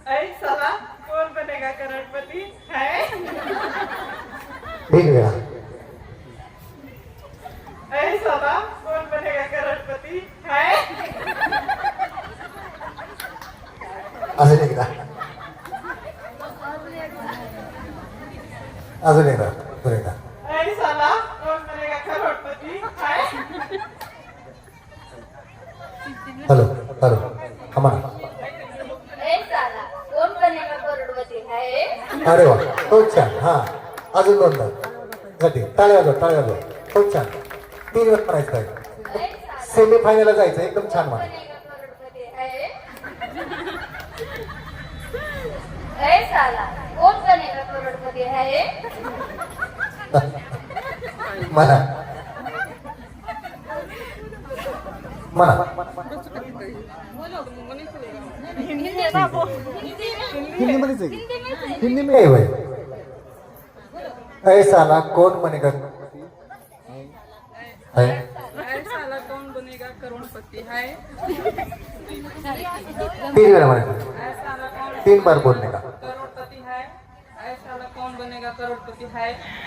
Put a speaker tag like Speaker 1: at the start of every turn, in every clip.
Speaker 1: ऐ साला कौन बनेगा करोड़पति है?
Speaker 2: ठीक वेळा
Speaker 1: ऐ साला कौन बनेगा करोड़पति है?
Speaker 2: अजून एकदा अजून एकदा अजून एकदा
Speaker 1: ऐ साला कौन बनेगा करोड़पति है?
Speaker 2: हॅलो हॅलो आम्हाला
Speaker 3: ए साला कौन बनेगा करोड़पति है?
Speaker 2: अरे वा खूप छान हा अजून दोनदा साठी टाळ्या वाजवा खूप छान 3 वेळ म्हणायचं आहे
Speaker 3: ए साला
Speaker 2: सेमी फायनलला जायचं एकदम छान म्हणा
Speaker 3: बनेगा करोड़पति है? ए साला कौन बनेगा करोड़पति है?
Speaker 2: म्हणा म्हणा हिंदीमध्येच आहे हिंदी में होय ऐ साला कौन बनेगा है
Speaker 1: ऐ साला कौन बनेगा करोड़पति है?
Speaker 2: 3 वेळा म्हणायचं
Speaker 1: ऐ साला कौन
Speaker 2: 3 बार बोलने का
Speaker 1: करोड़पति है? ऐ साला कौन बनेगा करोड़पति है?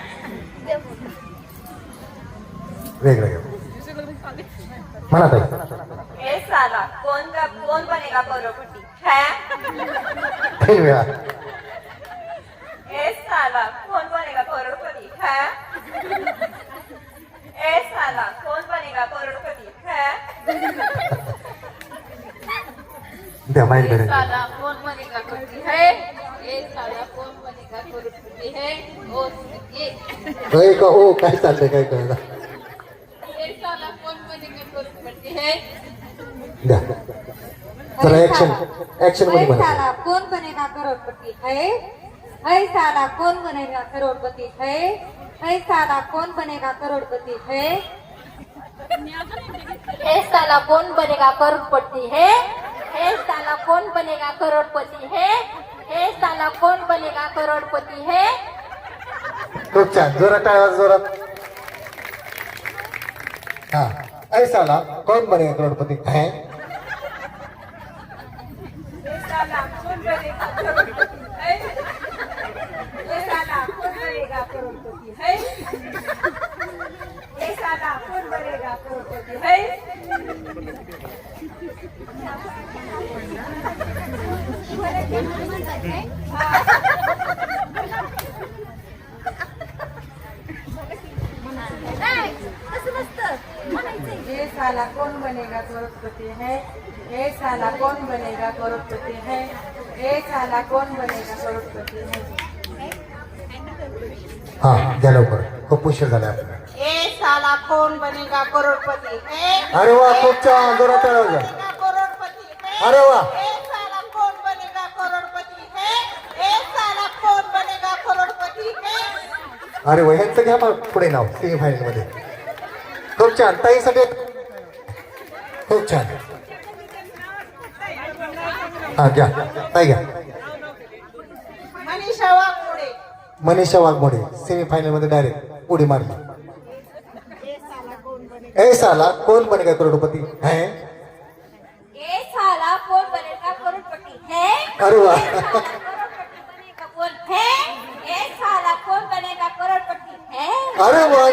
Speaker 2: वेगवेगळं म्हणा ताई
Speaker 3: ए साला कौन बनेगा करोड़पति है?
Speaker 2: 3 वेळा
Speaker 3: ए साला कौन बनेगा करोड़पति है? ए साला कौन बनेगा करोड़पति है?
Speaker 2: द्या माहीत
Speaker 3: ए
Speaker 2: बरं
Speaker 3: साला कौन बनेगा करोड़पति है? ए साला कौन बनेगा करोड़पति है? ओ ये
Speaker 2: ऐ का ओ काय चाललंय काय कळलं
Speaker 3: ए साला कौन बनेगा करोड़पति है?
Speaker 2: द्या चला ऍक्शन मध्ये
Speaker 4: ऐ
Speaker 2: म्हणा
Speaker 4: साला कौन बनेगा करोड़पति है? ऐ साला कौन बनेगा करोड़पति है? ऐ साला कौन बनेगा करोड़पति है?
Speaker 3: ए साला कौन बनेगा करोड़पति है? ए साला कौन बनेगा करोड़पति है? ए साला कौन बनेगा करोड़पति है?
Speaker 2: खूप छान जोरात टाळ्या जोरात हा ऐ साला कौन बनेगा करोड़पति है
Speaker 1: ऐ साला कौन बनेगा करोड़पति है? ऐ साला कौन बनेगा करोड़पति है? ऐ साला कौन बनेगा करोड़पति है?
Speaker 4: ये साला कौन बनेगा करोड़पति है? ये साला कौन बनेगा करोड़पति है? ये साला कौन बनेगा करोड़पति है?
Speaker 2: हा द्या लवकर खूप उशीर झाला आपल्याला
Speaker 3: ए साला कौन बनेगा करोड़पति है?
Speaker 2: अरे वा खूप छान जोरात टाळ्या वाजवा
Speaker 3: बनेगा करोड़पति है?
Speaker 2: अरे वा
Speaker 3: ए साला कौन बनेगा करोड़पति है? ए साला कौन बनेगा करोड़पति है?
Speaker 2: अरे वा ह्यांचं घ्या मग पुढे नाव सेमी फायनल मध्ये खूप छान ताईसाठी खूप छान हा घ्या ताई घ्या
Speaker 3: मनीषा वाघमोडे.
Speaker 2: मनीषा वाघमोडे सेमी फायनल मध्ये डायरेक्ट उडी मारली ए साला कौन बनेगा करोड़पति है
Speaker 3: ए साला कौन बनेगा करोड़पति है?
Speaker 2: अरे वा
Speaker 3: करोड़पति बनेगा कौन है? ए साला कौन बनेगा करोड़पति है?
Speaker 2: अरे वा